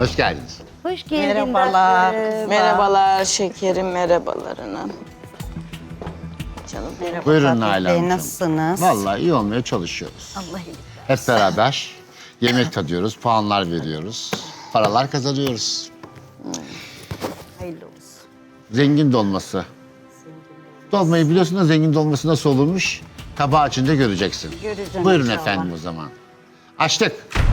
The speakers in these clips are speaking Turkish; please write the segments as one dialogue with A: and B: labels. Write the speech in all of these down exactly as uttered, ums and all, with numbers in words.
A: Hoş geldiniz.
B: Hoş geldin.
C: Merhabalar.
B: tatlım.
C: Merhabalar şekerim, merhabalarına. Canım
B: Merhaba
A: Buyurun
B: Fatih
A: Nalan
B: Bey,
A: Hanımcığım.
B: nasılsınız?
A: Vallahi iyi olmaya çalışıyoruz.
B: Allah iyilik.
A: Hep beraber yemek tadıyoruz, puanlar veriyoruz, paralar kazanıyoruz.
B: Hayırlı olsun.
A: Zengin dolması. Dolmayı biliyorsun da zengin dolması nasıl olurmuş? Tabağı açınca göreceksin.
B: Göreceğim
A: Buyurun
B: inşallah.
A: efendim o zaman. Açtık.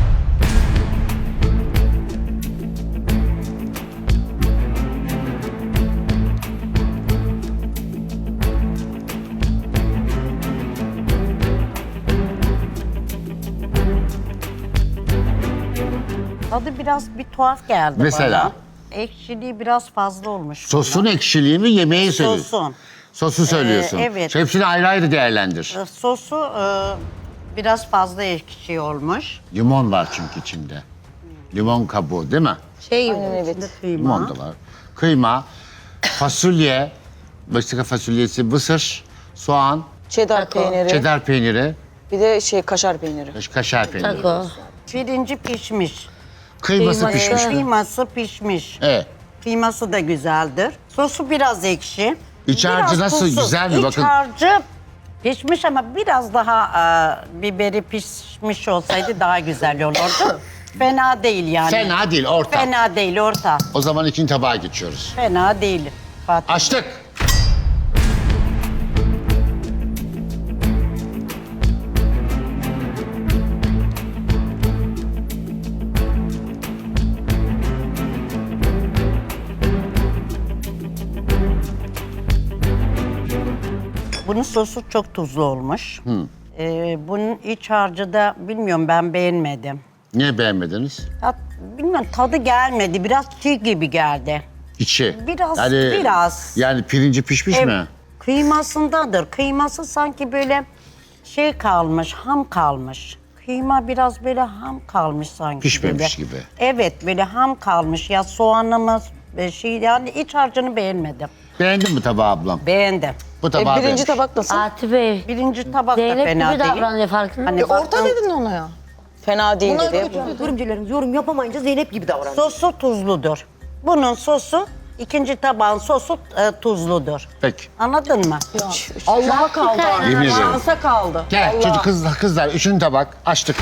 B: Tadı biraz bir tuhaf geldi
A: Mesela?
B: bana. Ekşiliği biraz fazla olmuş.
A: Sosun ekşiliği mi, yemeği söylüyorsun?
B: Sosun.
A: Sosu söylüyorsun.
B: evet.
A: Hepsini ayrı ayrı değerlendir.
B: Ee, Sosu e, biraz fazla ekşi olmuş.
A: Limon var çünkü içinde. Limon kabuğu değil mi?
B: Şey
C: Aynen, evet.
B: içinde kıyma.
A: Limon da var. Kıyma, fasulye, Meksika fasulyesi, mısır, soğan,
C: Cheddar peyniri,
A: çedar peyniri,
C: bir de şey kaşar peyniri.
A: kaşar peyniri.
B: Taco. Pirinci pişmiş.
A: Kıyması
B: Kıyma-
A: pişmiş mi?
B: Kıyması pişmiş.
A: Evet.
B: Kıyması da güzeldir. Sosu biraz ekşi.
A: İç
B: Biraz
A: harcı nasıl?
B: tuzsuz.
A: Güzel mi?
B: İç
A: Bakın.
B: harcı pişmiş ama biraz daha e, biberi pişmiş olsaydı daha güzel olurdu. Fena değil yani.
A: Fena değil, orta.
B: Fena değil, orta.
A: O zaman ikinci tabağa geçiyoruz.
B: Fena değil. Fatih.
A: Açtık.
B: Bunun sosu çok tuzlu olmuş. Ee, bunun iç harcı da bilmiyorum, ben beğenmedim.
A: Niye beğenmediniz?
B: Ya, bilmiyorum, tadı gelmedi. Biraz çiğ gibi geldi.
A: İçi.
B: Biraz, biraz.
A: Yani pirinci pişmiş
B: Ev-
A: mi?
B: Kıymasındadır. Kıyması sanki böyle şey kalmış, ham kalmış. Kıyma biraz böyle ham kalmış sanki.
A: Pişmemiş
B: gibi.
A: gibi.
B: Evet, böyle ham kalmış. Ya soğanımız e, şey, yani iç harcını beğenmedim.
A: Beğendin mi tabağı ablam?
B: Beğendim.
A: Bu
C: E,
A: tabağı
C: birinci
A: beğenmiş.
C: tabak nasıl?
D: Fatih Bey,
B: Birinci tabak da
D: Zeynep
B: fena
D: gibi
B: değil.
D: davranıyor, farkında
B: Hani
D: mısın?
B: baktım,
E: Dedin ona ya.
C: Fena değil
E: Bunlar
C: dedi.
E: da yorumcularımız yorum yapamayınca Zeynep gibi davranıyor.
B: sosu tuzludur. Bunun sosu, ikinci tabağın sosu e, tuzludur.
A: Peki.
B: Anladın mı?
E: Allah'a kaldı artık.
A: Yemin ederim.
E: Şansa kaldı.
A: Gel
E: Allah.
A: çocuk kızlar, kızlar üçüncü tabak açtık.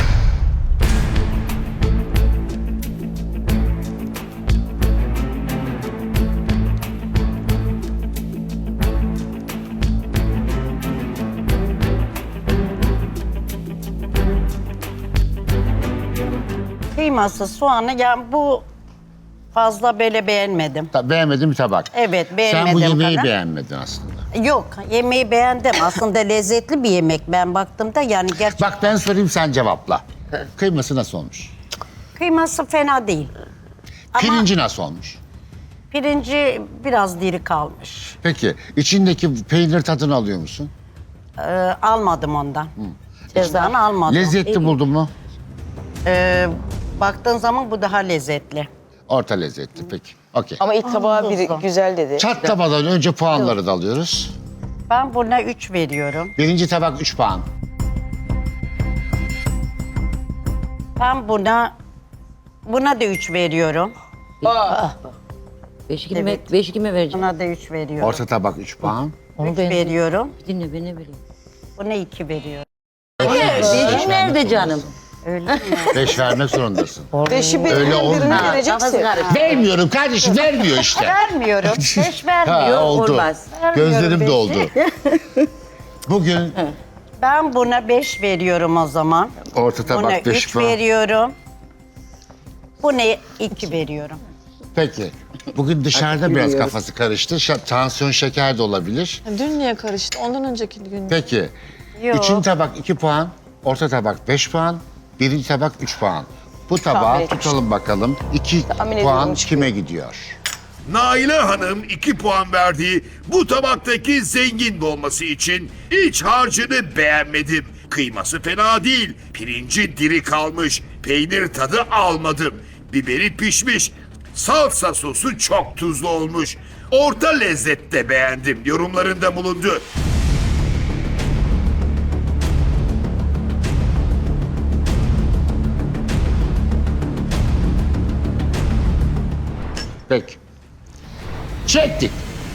B: Kıyması, soğanı, yani bu fazla böyle beğenmedim.
A: Ta- Beğenmedin bir tabak.
B: Evet,
A: Sen bu
B: beğenmedim
A: yemeği
B: kadar.
A: beğenmedin aslında.
B: Yok, yemeği beğendim. Aslında lezzetli bir yemek. Ben baktığımda yani gerçekten
A: Bak ben sorayım sen cevapla. Kıyması nasıl olmuş?
B: kıyması fena değil. Ama
A: Pirinci nasıl olmuş?
B: pirinci biraz diri kalmış.
A: Peki içindeki peynir tadını alıyor musun?
B: Ee, almadım ondan. Cezanı almadım.
A: Lezzetli buldun mu?
B: Ee, baktığın zaman bu daha lezzetli.
A: Orta lezzetli peki. Okey.
C: Ama ilk tabağı bir güzel dedi.
A: Çatlamadan önce puanları da alıyoruz.
B: Ben buna üç veriyorum.
A: Birinci tabak üç puan.
B: Ben buna buna da üç veriyorum.
D: Beş kime,
B: Evet.
D: beş kime vereceğim?
B: Buna da üç veriyorum.
A: Orta tabak üç puan.
D: Onu
B: üç
D: ben
B: veriyorum.
D: dinle, ben ne bileyim.
B: Buna iki veriyorum.
D: Beşim nerede canım?
B: Öyle mi?
A: Beş vermek zorundasın.
C: Beşi
A: Öyle
C: birinin
A: olmuyor.
C: birine
D: Kafası
C: vereceksin.
D: karıştı.
A: Vermiyorum kardeşim vermiyor işte.
B: Vermiyorum. Beş
A: Ha,
B: vermiyorum.
A: oldu.
D: olmaz.
A: Gözlerim
B: beşi.
A: doldu. Bugün
B: Ben buna beş veriyorum o zaman.
A: orta
B: Buna
A: tabak beş
B: üç
A: puan.
B: veriyorum. Buna iki veriyorum.
A: Peki. Bugün dışarıda biraz kafası karıştı. Şa- tansiyon şeker de olabilir.
E: Dün niye karıştı? Ondan önceki gün.
A: Peki.
B: Yok.
A: Üçüncü tabak iki puan. Orta tabak beş puan. Birinci tabak üç puan. Bu tabağı
C: Tahmin etmiştim.
A: tutalım bakalım. iki
C: Tahmin
A: puan
C: ediyorum çıkıyor.
A: kime gidiyor?
F: Naile Hanım iki puan verdiği bu tabaktaki zengin dolması için iç harcını beğenmedim. Kıyması fena değil, pirinci diri kalmış, peynir tadı almadım. Biberi pişmiş, salsa sosu çok tuzlu olmuş. Orta lezzette beğendim yorumlarında bulundu.
A: Peki. Çektik.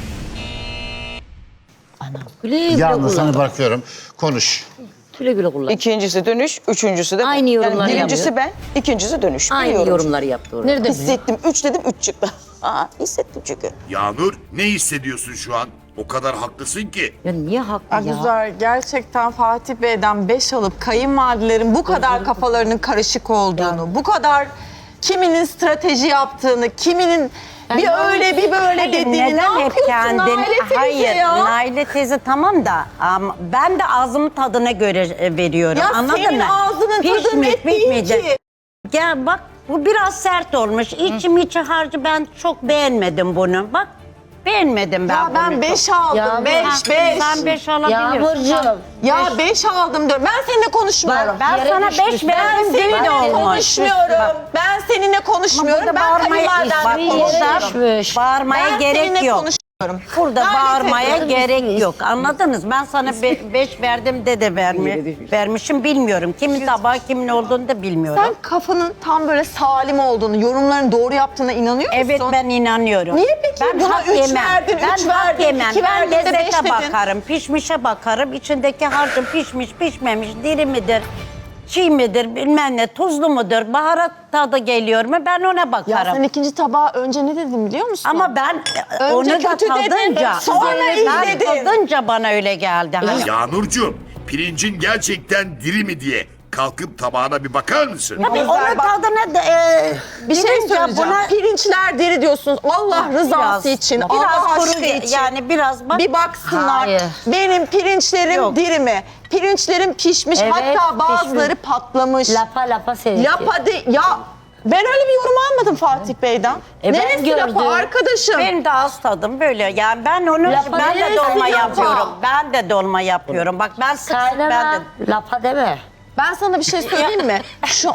D: Güle güle
A: Yalnız
D: kullan.
A: sana bırakıyorum. Konuş.
D: Güle güle kullan.
C: İkincisi dönüş, üçüncüsü de ben.
D: Aynı yorumları
C: yani birincisi
D: yapıyor.
C: ben, ikincisi dönüş.
D: Aynı
C: Biliyorum.
D: yorumları yaptı orada.
E: Nerede?
C: Hissettim. Üç dedim, üç çıktı. Aa, hissettim çünkü.
F: Yağmur ne hissediyorsun şu an? O kadar haklısın ki.
D: Ya niye haklı ya?
E: Güzel. Gerçekten Fatih Bey'den beş alıp kayınvalidelerin bu kadar kafalarının karışık olduğunu, bu kadar kiminin strateji yaptığını, kiminin bir öyle bir böyle
B: Hayır,
E: dediğini ne
B: neden hep
E: yapıyorsun
B: kendin?
E: Naile teyze
B: Hayır,
E: ya?
B: Naile teyze tamam da ama ben de ağzımın tadına göre e, veriyorum.
E: Ya
B: Anladın
E: senin
B: mı?
E: ağzının tadı
B: Pişmiş,
E: net değil
B: pişmeyecek.
E: ki.
B: Gel bak bu biraz sert olmuş. İçim içi harcı ben çok beğenmedim bunu. Bak beğenmedim ben
E: Ya
B: bunu.
E: ben
B: çok.
E: beş aldım,
D: Ya
E: beş,
B: Ha,
E: beş.
B: Sen beş alabiliyorsun.
D: Yağmurcuğum.
E: Ya beş aldım diyorum. Ben seninle konuşmuyorum.
B: Ben
D: Yere
B: sana
D: düşmüş.
B: beş
E: Ben
B: verdim
E: seninle
B: deli de olmuş.
E: konuşmuyorum.
B: Bak,
E: Ben seninle konuşmuyorum.
B: burada
E: Ben
B: bağırmaya, bak,
E: kayınvaliden
B: burada
E: konuşuyorum.
B: bağırmaya
E: Ben
B: gerek
E: seninle
B: yok.
E: konuşmuyorum.
B: Burada
E: Naile
B: bağırmaya
E: teyze.
B: gerek yok. Anladınız? Ben sana be- beş verdim de de vermi, vermişim bilmiyorum. Kimin tabağı kimin olduğunu da bilmiyorum.
E: Sen kafanın tam böyle salim olduğunu, yorumların doğru yaptığına inanıyor musun?
B: Evet ben inanıyorum.
E: Niye peki?
B: Ben
E: Buna
B: hak
E: üç
B: yemem.
E: verdin,
B: ben
E: üç
B: hak
E: verdin,
B: yemem.
E: iki
B: Ben
E: verdin de beş
B: lezzete
E: dedin.
B: bakarım, pişmişe bakarım. İçindeki harcın pişmiş, pişmemiş, diri midir, çiğ midir, bilmem ne, tuzlu mudur, baharat tadı geliyor mu ben ona
E: Ya
B: bakarım.
E: sen ikinci tabağa önce ne dedin biliyor musun?
B: Ama ben e,
E: Önce
B: onu da
E: kötü dedin,
B: tadınca,
E: sonra iyi
B: ben
E: dedin.
B: tadınca bana öyle geldi. Hani.
F: Yağmurcuğum, pirincin gerçekten diri mi diye kalkıp tabağına bir bakar mısın?
B: Tabii
E: Güzel,
B: onun
E: bak.
B: tadına da e,
E: bir şey
B: gidince
E: söyleyeceğim.
B: buna
E: Pirinçler deri diyorsunuz. Allah rızası için,
B: biraz
E: Allah
B: kuru
E: aşkı için.
B: yani biraz bak.
E: Bir baksınlar.
D: Hayır.
E: Benim pirinçlerim
B: Yok.
E: diri mi? Pirinçlerim pişmiş.
D: Evet,
E: Hatta bazıları
D: pişmiş.
E: patlamış.
D: Lapa lapa seninki.
E: Lapa de, ya ben öyle bir yorum almadım Fatih Bey'den.
D: E ben
E: Neresi
D: gördüm.
E: lapa arkadaşım?
B: Benim de ağız tadım böyle. Yani ben onu
D: Lapa
B: ben de
D: neresi
B: dolma
D: lapa?
B: yapıyorum. Ben de dolma yapıyorum. Bak ben sık sık ben
D: Kaynana
B: de
D: lapa deme.
E: Ben sana bir şey söyleyeyim mi? Şu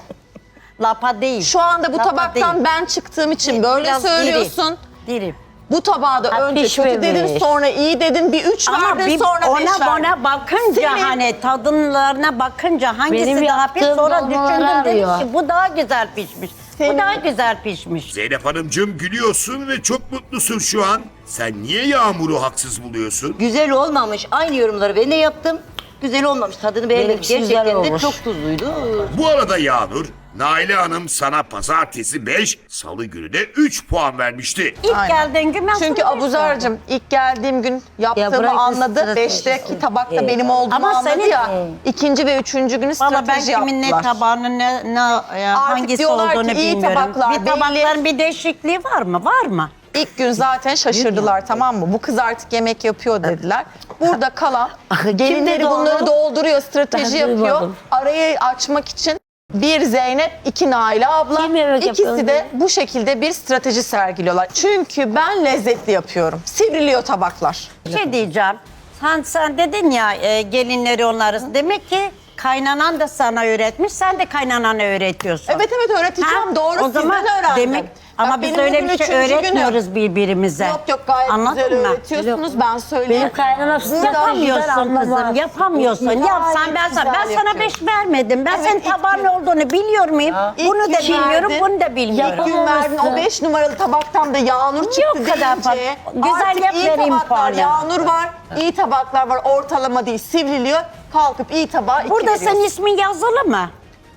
B: lapa değil.
E: şu anda bu
B: Lapa
E: tabaktan
B: değil.
E: ben çıktığım için böyle
B: Biraz
E: söylüyorsun.
B: Diri. diri.
E: Bu tabağa da
D: Ha,
E: önce kötü
D: pişmemiş.
E: dedin, sonra iyi dedin, bir üç
B: Ama
E: verdin,
B: bir
E: sonra beş
B: ona
E: verdin.
B: ona bakınca
E: Senin-
B: hani tadınlarına bakınca hangisi
D: Benim
B: daha
D: yaptığım
B: pis sonra
D: dolmaları
B: düşündüm dedim
D: arıyor.
B: ki bu daha güzel pişmiş.
E: Senin-
B: Bu daha güzel pişmiş.
F: Zeynep Hanımcığım gülüyorsun ve çok mutlusun şu an. Sen niye Yağmur'u haksız buluyorsun?
D: Güzel olmamış. Aynı yorumları ben de yaptım. Güzel olmamış. Tadını beğenmedim.
C: Benimkisi güzel
D: Gerçekten de
C: olmuş.
D: çok tuzluydu.
F: Bu arada Yağmur, Naile Hanım sana pazartesi beş, salı günü de üç puan vermişti.
B: İlk
E: Aynen.
B: geldiğin gün ben
E: Çünkü
B: sana beş verdim.
E: Abuzar'cığım ilk geldiğim gün yaptığımı
D: bırak bu
E: anladı.
D: stratejisi.
E: Beşteki tabakta
D: Evet.
E: benim olduğumu
B: Ama
E: anladı
B: senin-
E: ya. İkinci ve üçüncü günü
B: Valla ben
E: strateji
B: kimin ne
E: yaptılar.
B: tabağının ne, ne ya hangisi
E: diyorlar ki
B: olduğunu
E: iyi
B: bilmiyorum.
E: tabaklar
B: bir
E: belli.
B: tabakların bir değişikliği var mı? Var mı?
E: İlk gün zaten şaşırdılar tamam mı? Bu kız artık yemek yapıyor dediler. Burada kalan gelinleri
D: doldu?
E: bunları dolduruyor, strateji
D: Ben
E: yapıyor.
D: duymadım.
E: Arayı açmak için bir Zeynep, iki Naile abla.
D: Kim yemek
E: İkisi
D: yapıyor?
E: de bu şekilde bir strateji sergiliyorlar. Çünkü ben lezzetli yapıyorum. Sivriliyor tabaklar.
B: Bir şey diyeceğim. Sen sen dedin ya e, gelinleri onları. Demek ki kaynanan da sana öğretmiş. Sen de kaynanana öğretiyorsun.
E: Evet evet öğreteceğim.
B: Ha,
E: Doğru
B: o zaman
E: sizden öğrendim.
B: demek ama
E: Bak,
B: biz
E: benim
B: öyle
E: bugün
B: bir şey
E: üçüncü günüm.
B: öğretmiyoruz birbirimize.
E: Yok yok gayet
B: Anladın
E: güzel
B: mı?
E: öğretiyorsunuz ben söyleyeyim.
D: Benim kaynanam size
B: Yapamıyorsun kızım, yapamıyorsun. Yap sen ben sana ben
E: güzel
B: sana beş vermedim. Ben
E: Evet,
B: senin
E: ilk
B: tabağın
E: gün.
B: ne olduğunu biliyor muyum?
E: İlk
B: Bunu da
E: gün
B: bilmiyorum,
E: verdin.
B: bunu da bilmiyorum.
E: İlk gün verdin o beş numaralı tabaktan da Yağnur çıktı
B: Yok kadar
E: deyince.
B: fark. Güzel
E: Artık
B: yap,
E: iyi
B: vereyim
E: tabaklar,
B: puanı.
E: Yağnur var, iyi tabaklar var. Ortalama değil, sivriliyor. Kalkıp iyi tabağa iki
B: Burada
E: veriyorsun.
B: senin ismin yazılı mı?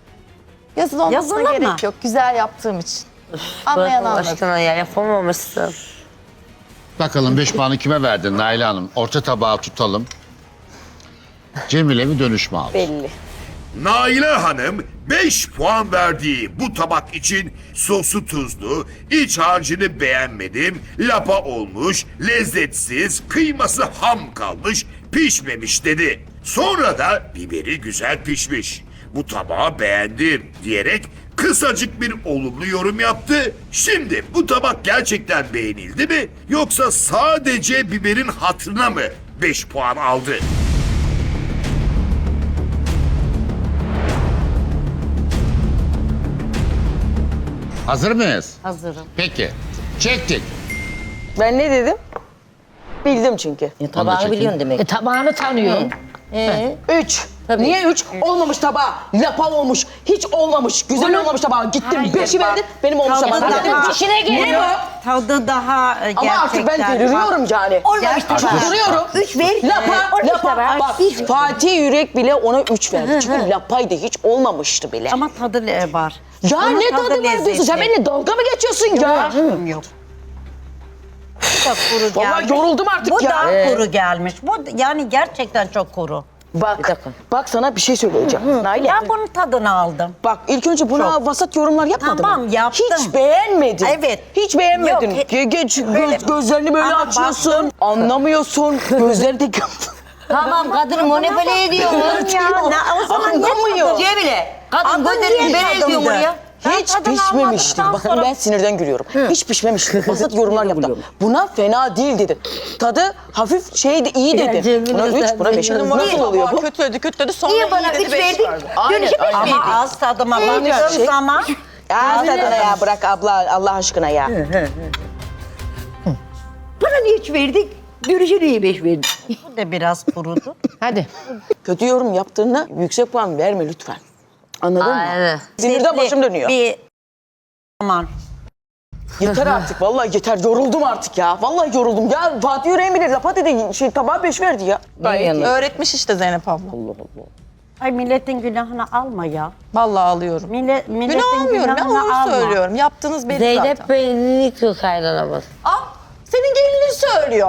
E: Yazılı olmasına
B: yazılı
E: gerek
B: mı?
E: yok. Güzel yaptığım için. Anlayan
C: Bırak Allah
E: anladı.
C: aşkına ya yapamamışsın.
A: Bakalım beş puanı kime verdin Naile Hanım? Orta tabağı tutalım. Cemile mi dönüş mü aldı?
C: Belli.
F: Naile Hanım beş puan verdiği bu tabak için sosu tuzlu, iç harcını beğenmedim, lapa olmuş, lezzetsiz, kıyması ham kalmış, pişmemiş dedi. Sonra da biberi güzel pişmiş. Bu tabağı beğendim diyerek kısacık bir olumlu yorum yaptı. Şimdi bu tabak gerçekten beğenildi mi yoksa sadece biberin hatırına mı beş puan aldı?
A: Hazır mıyız?
B: Hazırım.
A: Peki. Çektik.
C: Ben ne dedim? Bildim çünkü.
D: E, tabağını
A: çekin.
D: biliyorsun demek.
G: E, tabağını tanıyor.
C: Üç.
D: Tabii.
C: Niye üç? Olmamış tabağı. Lapa olmuş. Hiç olmamış. Güzel olmamış tabağı. Gittim
B: Hayır,
C: beşi
B: bak.
C: verdin. Benim olmuş
B: Tadı
C: tabağı.
B: daha-
C: Dedim,
B: İşine
C: Ne
B: geliyor.
C: bu?
B: Tadı daha e, gerçekten.
C: Ama artık ben deliriyorum yani.
D: Olmamış
B: Gerçekten.
D: tabağı.
C: Duruyorum.
D: Üç ver.
C: Lapa,
D: Olmuş
C: lapa.
D: tabağı.
C: Bak
D: Hiç-
C: Fatih Yürek bile ona üç verdi. Çünkü lapaydı. Hiç olmamıştı bile.
B: Ama tadı le- var.
C: Ya
B: Ama
C: ne tadı var diyorsun? Sen benimle dalga mı geçiyorsun ya?
B: Yok. Yok. Bu da kuru
C: Vallahi
B: gelmiş.
C: yoruldum artık
B: Bu
C: ya.
B: da kuru gelmiş. Bu yani gerçekten çok kuru.
C: Bak, bak sana bir şey söyleyeceğim. Naile.
B: Ben bunun tadını aldım.
C: Bak ilk önce buna vasat yorumlar yapmadın
B: Tamam,
C: mı?
B: yaptım.
C: Hiç beğenmedin.
B: Evet.
C: Hiç beğenmedin.
B: Yok, he-
C: Ge- geç, göz-
B: Öyle-
C: gözlerini böyle
B: Ama
C: açıyorsun.
B: baktım.
C: Anlamıyorsun. Gözleri de...
D: Tamam kadını manipüle ediyor.
B: Ya, ne- o zaman niye
C: Anlamıyor.
B: tadın-
D: Cemile. Kadın
B: Adın
D: gözlerini
B: niye
D: böyle ediyor
B: tadındı?
D: oraya.
B: Ben
C: Hiç
B: tadını
C: pişmemiştir.
B: almadıktan
C: Bakın
B: sonra-
C: ben sinirden gülüyorum. Hiç pişmemiştir. Vasat yorumlar yaptı. Buna fena değil dedi. Tadı hafif şeydi, iyi dedi. Buna üç, buna beş.
E: Benim
C: Nasıl oluyor bu?
E: Kötüledi kötüledi sonra
D: Niye bana
E: iyi dedi
D: üç
E: beş
D: verdik?
E: verdi.
C: Aynen,
D: Dönüşü beş
C: aynen.
B: Ama
D: verdik.
B: az tadıma
C: İyi
B: baktığım
C: şey.
B: zaman
C: Ya tadına ya bırak abla Allah aşkına ya.
D: Bana niye üç verdik? Dönüşü niye beş verdik?
B: bu da biraz kurudu.
G: Hadi.
C: Kötü yorum yaptığında yüksek puan verme lütfen. Anladın mı?
D: evet.
C: Sinirden başım dönüyor.
B: Bir aman.
C: Yeter artık vallahi yeter yoruldum artık ya. Vallahi yoruldum ya. Fatih Yüreğin bile lapa dedi şey tabağa beş verdi ya. Gayet iyi.
E: Öğretmiş işte Zeynep abla.
B: Ay milletin günahını alma ya.
E: Vallahi alıyorum.
B: Millet, milletin
E: Günah almıyorum ya
B: günahını
E: onu
B: alma.
E: söylüyorum. Yaptığınız belli
G: Zeynep
E: zaten.
G: beynini yıkıyor kaynanamaz.
E: Al senin gelinin söylüyor.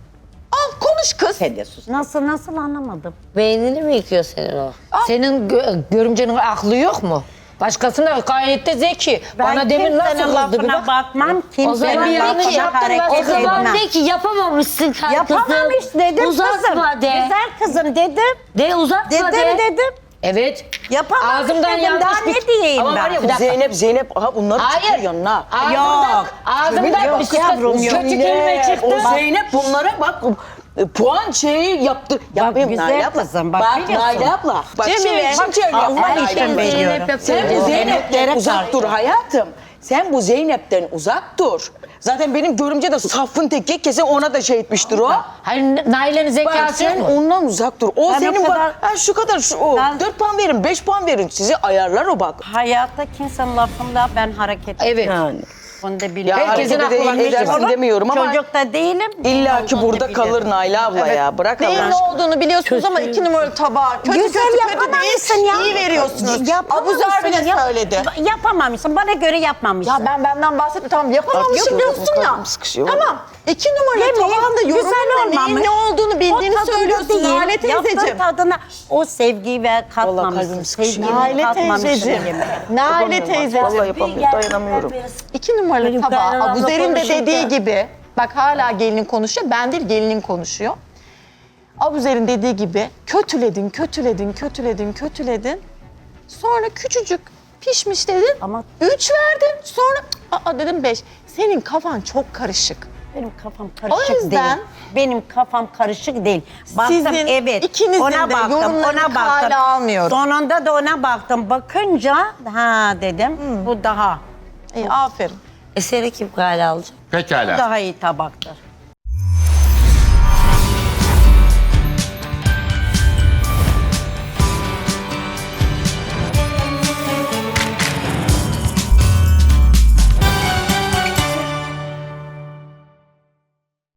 E: Al konuş kız.
B: Nasıl nasıl anlamadım.
G: Beynini mi yıkıyor senin o? Senin gö- görümcenin aklı yok mu? Başkasına gayet de zeki. Bana demin nasıl
B: kimsenin
G: kızdı bir
B: lafına
G: bak.
B: bakmam.
G: O
B: Kimsenin
G: zaman bir yanlış
B: lafına
G: yaptın.
B: hareket
G: O zaman
B: etmem.
G: de ki yapamamışsın kızım.
B: Yapamamış dedim
G: Uzatma
B: kızım.
G: de.
B: Güzel kızım dedim.
G: De uzatma
B: Dedim
G: de.
B: dedim.
G: Evet.
B: Yapamamış
G: Ağzımdan
B: dedim.
G: yanlış
B: Daha
G: bir...
B: ne diyeyim
G: Ama
B: ben?
G: var ya bir dakika.
C: Zeynep Zeynep aha bunları
G: Hayır.
C: çıkıyor yanına.
G: Ağzımdan,
B: Yok.
G: ağzımdan
B: Yok
G: bir şey
B: yavrum, yok.
G: kötü kelime çıktı.
C: O Zeynep bunlara bak e, puan şeyi yaptı. Yapayım
B: güzel
C: Nail abla.
B: kızım, bak
C: Bak
B: biliyorsun.
C: Nail abla. Bak
E: Cemile,
C: şimdi,
E: bak,
C: şimdi şöyle yapma
B: Allah
C: Nail
B: için
C: abla.
B: veriyorum.
C: Sen bu Zeynep'ten uzak dur hayatım. Sen bu Zeynep'ten uzak dur. Zaten benim görümce de safın teki kesin ona da şey etmiştir o.
G: Hayır Naile'nin
C: Bak
G: zekası
C: sen
G: yok mu?
C: ondan uzak dur. O
B: Ben o
C: senin
B: kadar-
C: bak ha, şu kadar şu o.
B: Ben-
C: dört puan verin, beş puan verin. Sizi ayarlar o bak.
B: Hayatta kimsenin lafında ben hareket
G: Evet.
C: Yani.
B: Bunu da
C: Ya
B: biliyorum.
G: Herkesin
C: harekete
G: aklı var,
C: de edersin
B: Olur.
C: demiyorum ama
B: Çocuk da değilim.
C: illa ki
B: Olduğunu
C: burada
B: biliyorum.
C: kalır Nail abla ya. Bırak
E: Neyin
C: Allah
E: ne
C: aşkına.
E: olduğunu biliyorsunuz ama iki numaralı tabağa kötü
B: Güzel
E: kötü kötü
B: yapamamışsın
E: değil,
B: ya.
E: iyi veriyorsunuz.
B: Yapamamışsın.
E: Abuzer bile
B: Yap-
E: söyledi.
B: Yapamamışsın. Bana göre yapmamışsın.
E: Ya ben benden bahsetme tamam yapamamışım
C: Yok,
E: diyorsun ya.
C: kalbim sıkışıyor.
E: Tamam. İki numaralı
B: Yemeğin
E: tabağında
B: güzel
E: yorumun ne? Neyin
B: olmamış.
E: ne olduğunu bildiğini
B: O tadında
E: söylüyorsun
B: değil.
E: Naile teyzeciğim.
B: Yaptığın tadına o sevgiyi ve katmamışsın.
C: kalbim sıkışıyor.
B: Sevgini
E: Naile
B: katmamışsın
E: teyzeciğim.
B: yemeğe.
E: Naile teyzeciğim.
C: Vallahi yapamıyorum, dayanamıyorum.
E: İki numaralı
G: Benim
E: tabağı
G: kaynanamla
E: Abuzer'in de
G: konuşurken-
E: dediği gibi. Bak hala gelinin konuşuyor. Ben değil gelinin konuşuyor. Abuzer'in dediği gibi kötüledin, kötüledin, kötüledin, kötüledin. Sonra küçücük pişmiş dedin.
B: Ama-
E: Üç verdin. Sonra aa dedim beş. Senin kafan çok karışık.
B: Benim kafam karışık
E: O yüzden-
B: değil. Benim kafam karışık değil. Baktım
E: Sizin
B: evet.
E: ikinizin
B: ona
E: de
B: baktım,
E: yorumlarını
B: ona baktım.
E: kale almıyorum.
B: Sonunda da ona baktım. Bakınca ha dedim bu daha
E: İyi aferin.
G: Eseri kim kale alacak?
A: Pekala.
B: daha iyi tabaktır.